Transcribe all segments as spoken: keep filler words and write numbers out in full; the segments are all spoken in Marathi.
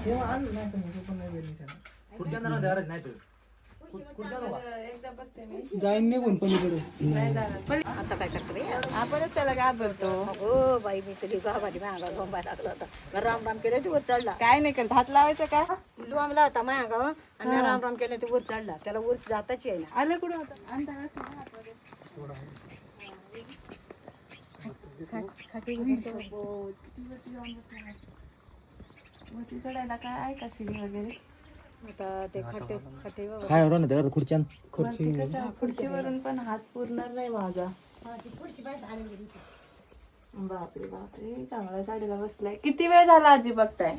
जाईन निघून पलीकडे. आता काय करतो बाई आपणच त्याला घाबरतो. हो बाई मी तरी गावाली महागा गोंबा टाकला होता राम राम केलं ते वर चढला. काय नाही केलं हात लावायचं का लांबला होता महागा आणि राम राम केलं ते वर चढला. त्याला वर जाताच येईना. आलं कुठं होतं वरती चढायला काय आहे का शिडी वगैरे आता ते खटे खटे काय हो ना खुर्च्यान वरती कसं खुर्चीवरून पण हात पुरणार नाही माझा. बापरे बापरे चांगला साडीला बसलाय. किती वेळ झाला आजी बघताय?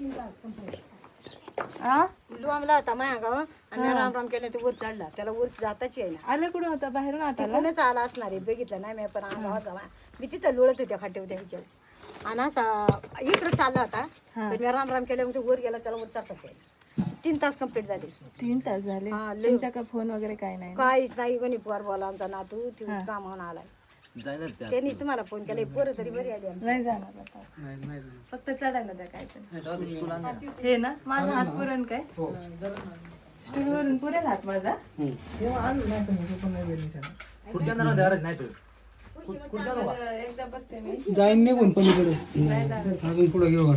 आ लांबला होता महागा आणि राम राम केलं ते वर चढला. त्याला वर जाताच येईना. आलं कुठं होतं बाहेरून आता कोणच आला असणार आहे बघितलं नाही मी पण अंगावाचा मी तिथं लोळत होत्या खाटेवर त्यांच्या आणि असा इकडं चालला होता पण मी राम राम केलं ते वर गेला त्याला वर चढताच येईना. तीन तास कंप्लीट झाले. तीन तास झाले हा, लय. तुमच्याकडे फोन वगैरे काय नाही काहीच नाही कोणी पोर बोला आमचा नातू ती कामावून आलाय त्यांनीच तुम्हाला फोन केला. पोरं तरी बरी आली आमची. नाही जाणार आता. फक्त चढायला द्या काय तर हे ना माझा हात पुरण काय स्टूलवरून पुरेल हात माझा. एकदा बघते मी जाईन निघून पलीकडे. अजून पुढे घेऊ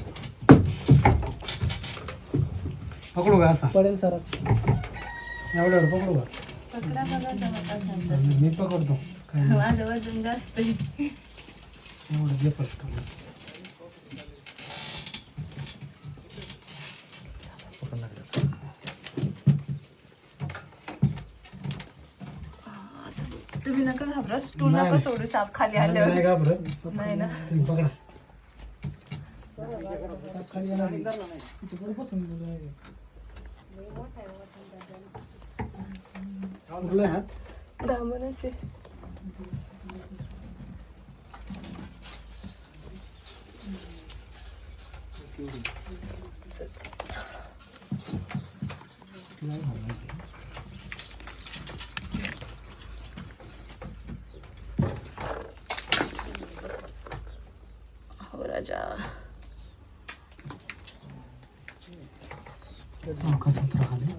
पकडू का असा पडेल सर एवढ्यावर पकडू का पकडा बघा जमत असेल मी पकडतो तर. माझं वजन जास्त आहे. एवढं जे फक्त तुम्ही नका घाबरा स्टूल नका सोडू साप खाली आल्यावर. नाही घाबरत नाही ना तुम्ही पकडा कुठला हात दामनाचे हो राजा सावकाश उतरा खाली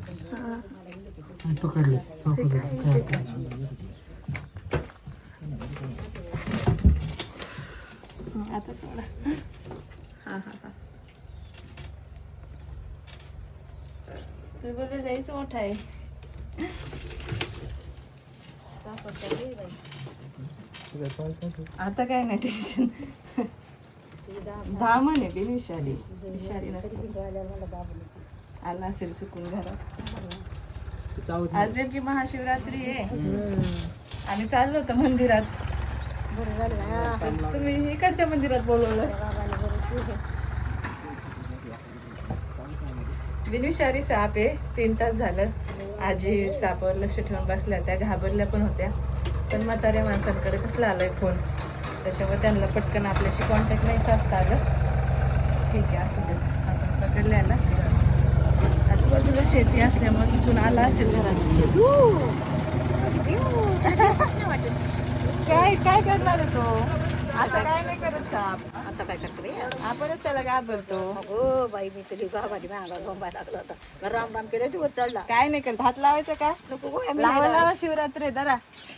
पकडले सावकाश आता सोडा. हा हा हा तुम्ही बोलले जायचं मोठा आहे. आता काय नाही टेन्शन. धामण आहे बिन विषारी विषारी नसते. आला असेल चुकून घरात. आज नेमकी महाशिवरात्री आहे आणि चाललो होतं मंदिरात. तुम्ही इकडच्या मंदिरात बोलवलं. बिनविषारी साप आहे. तीन तास झालं आजी सापावर लक्ष ठेवून बसल्या त्या घाबरल्या पण होत्या पण म्हाताऱ्या माणसांकडे कसला आलाय फोन त्याच्यामुळे त्यांना पटकन आपल्याशी कॉन्टॅक्ट नाही साधता आलं. ठीक आहे असू देत आपण पकडल्या ना. आजूबाजूला शेती असल्यामुळे चुकून आला असेल घरात. काय काय करणार आहे तो? आता काय नाही करत साप. आता काय करतो बाई आपणच त्याला घाबरतो. हो बाई मी तरी गावाली महागा गोंबा टाकला होता राम राम केलं ते वर चढला. काय नाही करत हात लावायचं का नको गो, आम्ही लावा नाही लावा शिवरात्री जरा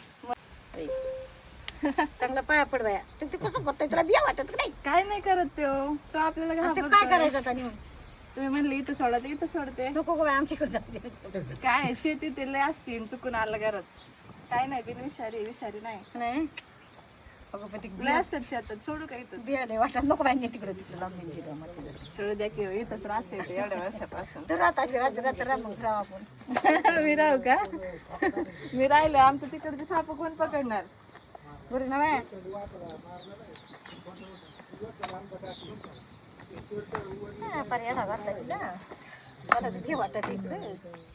लावत. चांगला पाया पड बाया ते ते कसं करतोय तुला बिया वाटत नाही. काय नाही करत तो तो आपल्याला आणि ते काय घाबरतोय. करायचं आता नेऊन? तुम्ही म्हणले इथं सोडा तर इथं सोडते. नको गो बाई आमच्याकडे जाते काय शेती ते लय असतील चुकून आलं घरात. काय नाही बिन विषारी विषारी नाही नाही अगं पण ते लय असतात शेतात सोडू का इथं बिया नाही वाटत नको बाई तिकडे तिकडे लावून दिली मला. सोडू द्या की इथंच राहते ते एवढ्या वर्षापासून. तर आता रात्र रात्र राम मग राव आपण मी राहू का? मी राहिलो आमचं तिकडचे साप कोण पकडणार? बरं ना बाय पर्याला घातला तिला मला तर घे वाटत इकडे.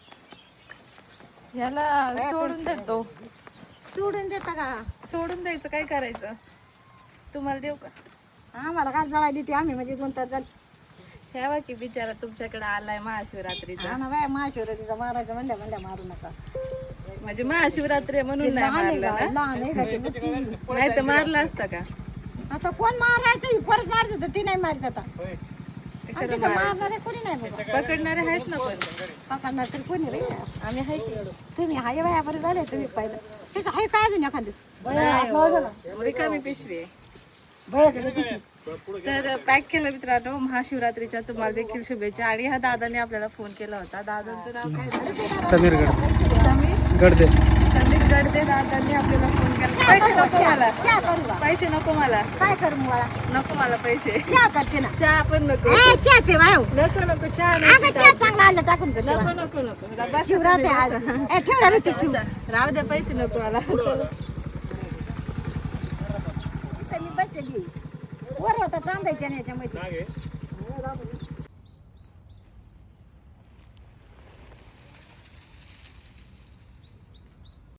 ह्याला सोडून देतो. सोडून देता का? सोडून द्यायचं काय करायचं? तुम्हाला देऊ का? हा मला काय जळाली ती आम्ही म्हणजे दोन तास झाले. ठेवा की बिचारा तुमच्याकडे आलाय महाशिवरात्रीचा. हा ना बाय महाशिवरात्रीचा मारायचं म्हणल्या म्हणल्या मारू नका. म्हणजे महाशिवरात्री आहे म्हणून नाही लहान आहे मारलं का? ना? लहान आहे का ते मोठी? नाही तर मारला असता का? आता कोण मारायचं ही परत मारत होतं ती नाही मारत आता. कशाला तिथं मारायचं? मारणारे कोणी नाही बाबा. पकडणारे आहेत ना पण पकडणार तरी कोणी रे आम्ही आहे की. तुम्ही हाय बाया बरं झाले तुम्ही पाहिलं त्याचं हाय काय अजून एखादं नाही हो. रिकामी पिशवी आहे. तर पॅक केलं मित्रांनो. महाशिवरात्रीच्या तुम्हाला देखील शुभेच्छा. आणि ह्या दादाने आपल्याला फोन केला होता. दादांचं नाव काय झालं? समीर गड समीर गडदे समीर गडदे दादांनी आपल्याला फोन केला. पैसे नको मला, चहा करू का? पैसे नको मला, काय करू मला नको मला पैसे. चहा करते ना चहा पण नको, ए, चहा पे बाय नको नको चहा अगं नाही. चहा चांगला आलं टाकून कर नको नको नको बसा शिवरात तुम्ही, आहे आज बसा. ए, ठेव ना रे ते ठेव. राहू दे, पैसे नको मला. चला. इथं मी बसलेली वर होता चांदायच्या नाही याच्यामध्ये